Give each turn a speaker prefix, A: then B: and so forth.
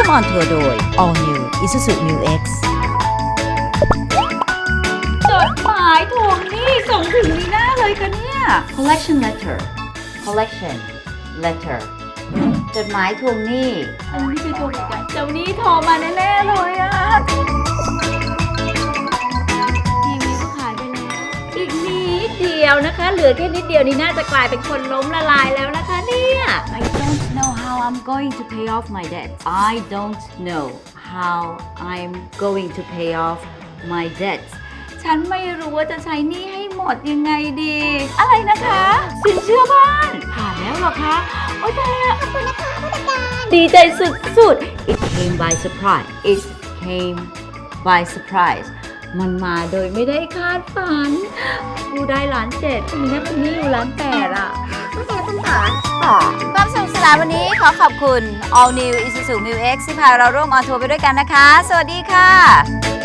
A: ออนทัวร์โดย All New Isuzu Mu X จดหมายทวงหนี้ส่งถึงลีน่าเลยค่ะเนี่ย collection letter จดหมายทวงหนี้ไม่ใช่ทวงอีกอะเจ้าหนี้โทรมาแน่ๆเลยอะทีวีก็ขายไปแล้วอีกนิดเดียวนะคะเหลือแค่นิดเดียวนี่น่าจะกลายเป็นคนล้มละลายแล้วนะคะเนี่ย I don't know how I'm going to pay off my debt I don't know how I'm going to pay off my debt ฉันไม่รู้ว่าจะใช้หนี้ให้หมดยังไงดี อะไรนะคะสินเชื่อบ้านผ่านแล้วเหรอคะโอ๊ยตายแล้วขอบคุณนะคะผู้จัดการดีใจสุดๆ It came by surprise มันมาโดยไม่ได้คาดฝันกูได้1,700,000มีนักคนนี้อยู่1,800,000อ่ะความสนุกสนานวันนี้ขอขอบคุณ All New Isuzu Mu X ที่พาเราร่วมออนทัวร์ไปด้วยกันนะคะ สวัสดีค่ะ